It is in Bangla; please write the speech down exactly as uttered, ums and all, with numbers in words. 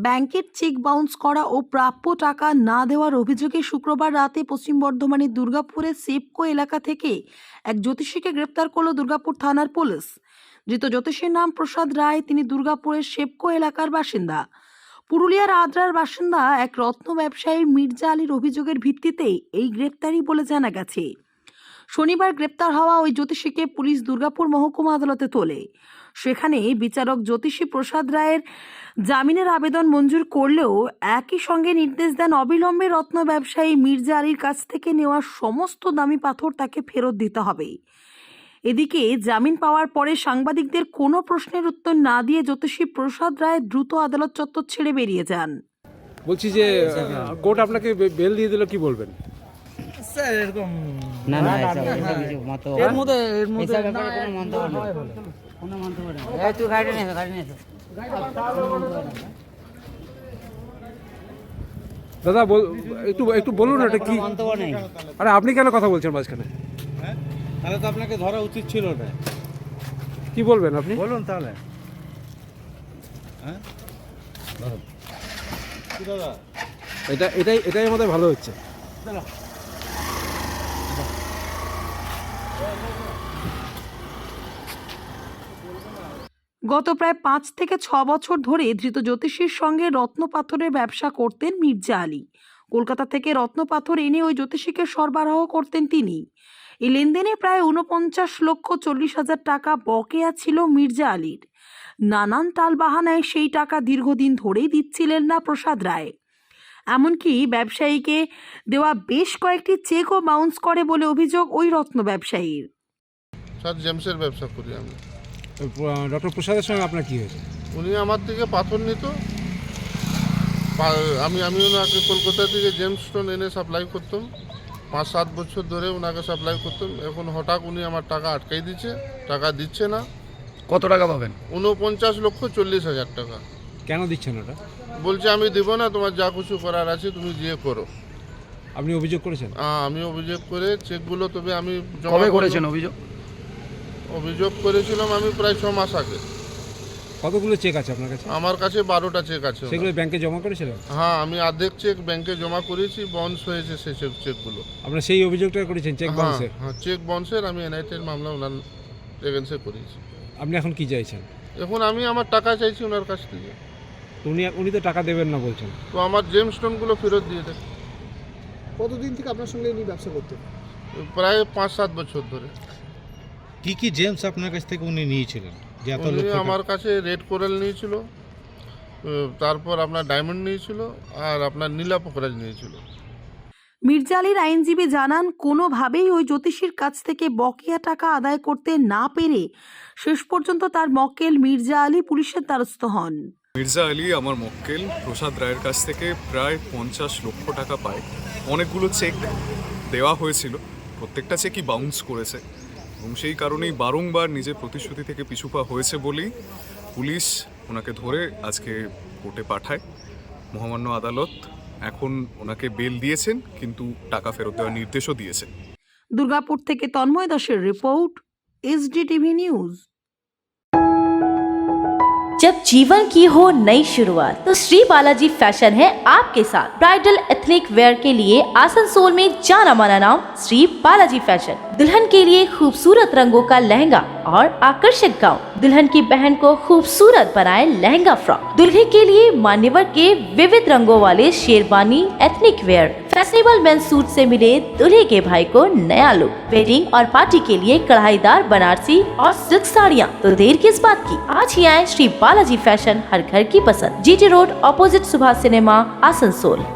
ব্যাংকের চেক বাউন্স করা ও প্রাপ্য টাকা না দেওয়ার অভিযোগে শুক্রবার রাতে পশ্চিম বর্ধমানের দুর্গাপুরের সেপকো এলাকা থেকে এক জ্যোতিষীকে গ্রেপ্তার করল দুর্গাপুর থানার পুলিশ। ধৃত জ্যোতিষীর নাম প্রসাদ রায়। তিনি দুর্গাপুরের সেপকো এলাকার বাসিন্দা। পুরুলিয়ার আদ্রার বাসিন্দা এক রত্ন ব্যবসায়ী মির্জা আলীর অভিযোগের ভিত্তিতে এই গ্রেপ্তারি বলে জানা গেছে। শনিবার গ্রেপ্তার হওয়া ওই জ্যোতিষীকে পুলিশ দুর্গাপুর মহকুমা আদালতে তোলে। সেখানে বিচারক জ্যোতিষী প্রসাদ রায়ের জামিনের আবেদন মঞ্জুর করলেও একই সঙ্গে নির্দেশ দেন অবিলম্বে রত্ন ব্যবসায়ী মির্জা আলীর কাছ থেকে নেওয়া সমস্ত দামি পাথর তাকে ফেরত দিতে হবে। এদিকে জামিন পাওয়ার পরে সাংবাদিকদের কোনো প্রশ্নের উত্তর না দিয়ে জ্যোতিষী প্রসাদ রায় দ্রুত আদালত চত্বর ছেড়ে বেরিয়ে যান। বলছি যে কোর্ট আপনাকে বেল দিয়ে দিল, কি বলবেন? স্যার এরকম না না এটা কিছু মন্তব্য এর মধ্যে এর মধ্যে এসব ব্যাপারে কোনো মন্তব্য নেই, কোনো মন্তব্য নেই। এই তুই গাড়ি নিয়ে এসো, গাড়ি নিয়ে এসো। দাদা একটু একটু বলুন এটা কি মন্তব্য নেই। আরে আপনি কেন কথা বলছেন মাঝখানে? হ্যাঁ তাহলে তো আপনাকে ধরা উচিত ছিল না। কি বলবেন আপনি? বলুন তাহলে। হ্যাঁ কি দাদা, এটা এটাই এটাই আমাদের ভালো হচ্ছে। গত প্রায় পাঁচ থেকে ছ বছর ধরে ধৃত জ্যোতিষীর সঙ্গে রত্ন পাথরের ব্যবসা করতেন মির্জা আলী। কলকাতা থেকে রত্ন পাথর এনে ওই জ্যোতিষীকে সরবরাহ করতেন তিনি। এই লেনদেনে প্রায় উনপঞ্চাশ লক্ষ চল্লিশ হাজার টাকা বকেয়া ছিল মির্জা আলীর। নানান টালবাহানায় সেই টাকা দীর্ঘদিন ধরেই দিচ্ছিলেন না প্রসাদ রায়। এমনকি ব্যবসায়ীকে দেওয়া বেশ কয়েকটি চেকও বাউন্স করে বলে অভিযোগ ওই রত্ন ব্যবসায়ীর। স্যার জেমসের ব্যবসা করি আমি। ডক্টর প্রসাদের সঙ্গে আপনার কি হয়েছে? উনি আমার থেকে পাথর নিত, আমি আমি ওনাকে কলকাতা থেকে জেমস স্টোন এনে সাপ্লাই করতাম। পাঁচ সাত বছর ধরে ওনাকে সাপ্লাই করতাম। এখন হঠাৎ উনি আমার টাকা আটকাই দিচ্ছে, টাকা দিচ্ছে না। কত টাকা পাবেন? উনপঞ্চাশ লক্ষ চল্লিশ হাজার টাকা। কেন দিচ্ছেন ওটা? বলছে আমি দেব না, তোমার যা কিছু করার আছে তুমি গিয়ে করো। আপনি অভিযোগ করেছেন? হ্যাঁ আমি অভিযোগ করে চেকগুলো, তবে আমি কবে করেছেন অভিযোগ? অভিযোগ করেছিলাম আমি প্রায় ছ মাস আগে। কতগুলো চেক আছে আপনার কাছে? আমার কাছে বারোটা চেক আছে। সেগুলো ব্যাংকে জমা করেছিলেন? হ্যাঁ আমি অর্ধেক চেক ব্যাংকে জমা করেছি, বাউন্স হয়েছে সেই চেক চেকগুলো। আপনারা সেই অভিযোগটা করেছেন চেক বাউন্সের? হ্যাঁ চেক বাউন্সের আমি এনআইটির মামলা ওনার এগেন্সে করেছি। আপনি এখন কি চাইছেন? এখন আমি আমার টাকা চাইছি ওনার কাছ থেকে। উনি উনি তো টাকা দেবেন না বলছেন। তো আমার জেম স্টোনগুলো ফেরত দিয়ে দেয়। কতদিন থেকে আপনার সঙ্গে উনি ব্যবসা করতেন? প্রায় পাঁচ সাত বছর ধরে। কি কি জেমস আপনার কাছ থেকে উনি নিয়েছিলেন? যে এত উনি লক্ষ আমার কাছে রেড কোরাল নিয়েছিল, তারপর আপনার ডায়মন্ড নিয়েছিল, আর আপনার নীলা পোখরাজ নিয়েছিল। মির্জা আলীর আইনজীবী জানান, কোনোভাবেই ওই জ্যোতিষীর কাছ থেকে বকেয়া টাকা আদায় করতে না পেরে শেষ পর্যন্ত তার মক্কেল মির্জা আলী পুলিশের দ্বারস্থ হন। মির্জা আলী আমার মক্কেল প্রসাদ রায়ের কাছ থেকে প্রায় পঞ্চাশ লক্ষ টাকা পায়। অনেকগুলো চেক দেওয়া হয়েছিল, প্রত্যেকটা চেকই বাউন্স করেছে এবং সেই কারণেই বারংবার নিজের প্রতিশ্রুতি থেকে পিছু পা হয়েছে বলেই পুলিশ ওনাকে ধরে আজকে কোর্টে পাঠায়। মহামান্য আদালত এখন ওনাকে বেল দিয়েছেন, কিন্তু টাকা ফেরত দেওয়ার নির্দেশও দিয়েছেন। দুর্গাপুর থেকে তন্ময় দাসের রিপোর্ট, এসডি টিভি নিউজ। जब जीवन की हो नई शुरुआत तो श्री बालाजी फैशन है आपके साथ। ब्राइडल एथनिक वेयर के लिए आसनसोल में जाना माना नाम श्री बालाजी फैशन। दुल्हन के लिए खूबसूरत रंगों का लहंगा और आकर्षक गाउन, दुल्हन की बहन को खूबसूरत बनाए लहंगा फ्रॉक, दुल्हे के लिए मान्यवर के विविध रंगों वाले sherwani ethnic wear, fashionable men suit से मिले दुल्हे के भाई को नया लुक, वेडिंग और पार्टी के लिए कढ़ाईदार बनारसी और सिल्क साड़ियाँ। तो देर किस बात की, आज ही आए श्री बालाजी फैशन, हर घर की पसंद। GT road, opposite Subhash cinema, Asansol.